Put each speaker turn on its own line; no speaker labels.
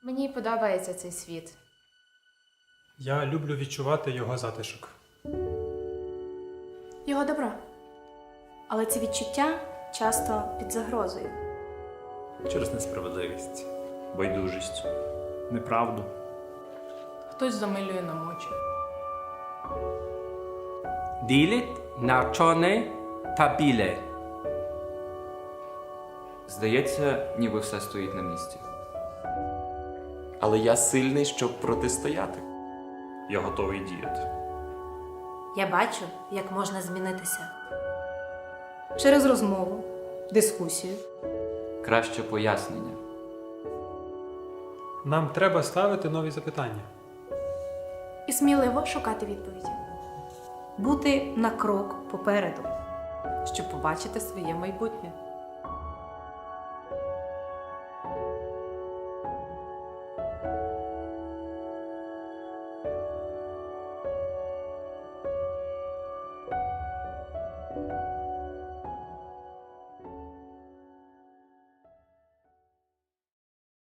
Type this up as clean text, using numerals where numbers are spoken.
Мені подобається цей світ.
Я люблю відчувати його затишок.
Його добро. Але ці відчуття часто під загрозою.
Через несправедливість, байдужість, неправду.
Хтось замилює нам очі.
Ділить на чорне та біле.
Здається, ніби все стоїть на місці.
Але я сильний, щоб протистояти.
Я готовий діяти.
Я бачу, як можна змінитися.
Через розмову, дискусію.
Краще пояснення.
Нам треба ставити нові запитання.
І сміливо шукати відповіді.
Бути на крок попереду.
Щоб побачити своє майбутнє.